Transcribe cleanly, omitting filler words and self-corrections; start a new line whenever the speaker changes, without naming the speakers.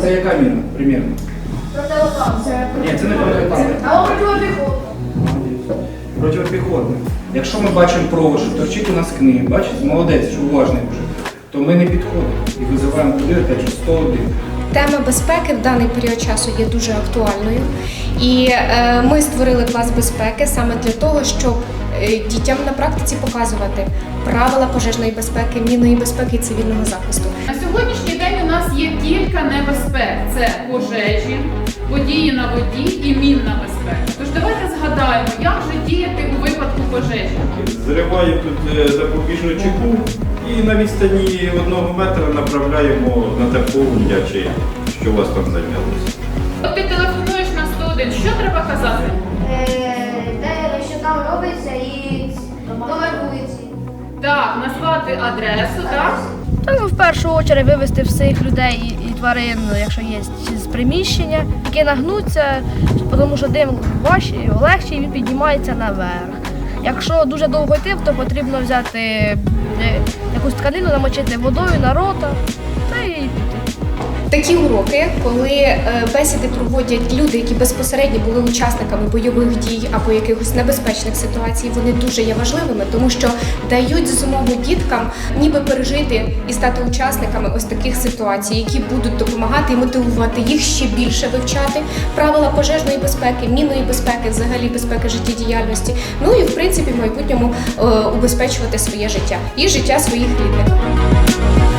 це яка міна, примірно?
Противотанк.
Ні, це не противотанк.
А противопіхотна.
Протипіхотна. Якщо ми бачимо провод, що торчить у нас книги, бачите, молодець, що уважний вже, то ми не підходимо і визиваємо туди, опять же, 101.
Тема безпеки в даний період часу є дуже актуальною, і ми створили клас безпеки саме для того, щоб дітям на практиці показувати правила пожежної безпеки, мінної безпеки і цивільного захисту.
На сьогоднішній день у нас є кілька небезпек: це пожежі, події на воді і мінна безпека. Тож давайте згадаємо, як же діяти у випадку пожежі.
Зриваємо тут запобіжну чеку і на відстані 1 метра направляємо на те полум'я, чи що у вас там зайнялося.
От ти телефонуєш на 101, що треба казати?
Де що там робиться і номер вулиці.
Так, назвати адресу, так?
Так, в першу чергу вивезти всіх людей і тварин, якщо є з приміщення, які нагнуться, тому що дим важчий, легший, він піднімається наверх. Якщо дуже довго йти, то потрібно взяти якусь тканину, намочити водою на рота та й піти.
Такі уроки, коли бесіди проводять люди, які безпосередньо були учасниками бойових дій або якихось небезпечних ситуацій, вони дуже є важливими, тому що дають змогу діткам ніби пережити і стати учасниками ось таких ситуацій, які будуть допомагати і мотивувати їх ще більше вивчати правила пожежної безпеки, мінної безпеки, взагалі безпеки життєдіяльності, ну і в принципі в майбутньому убезпечувати своє життя і життя своїх рідних.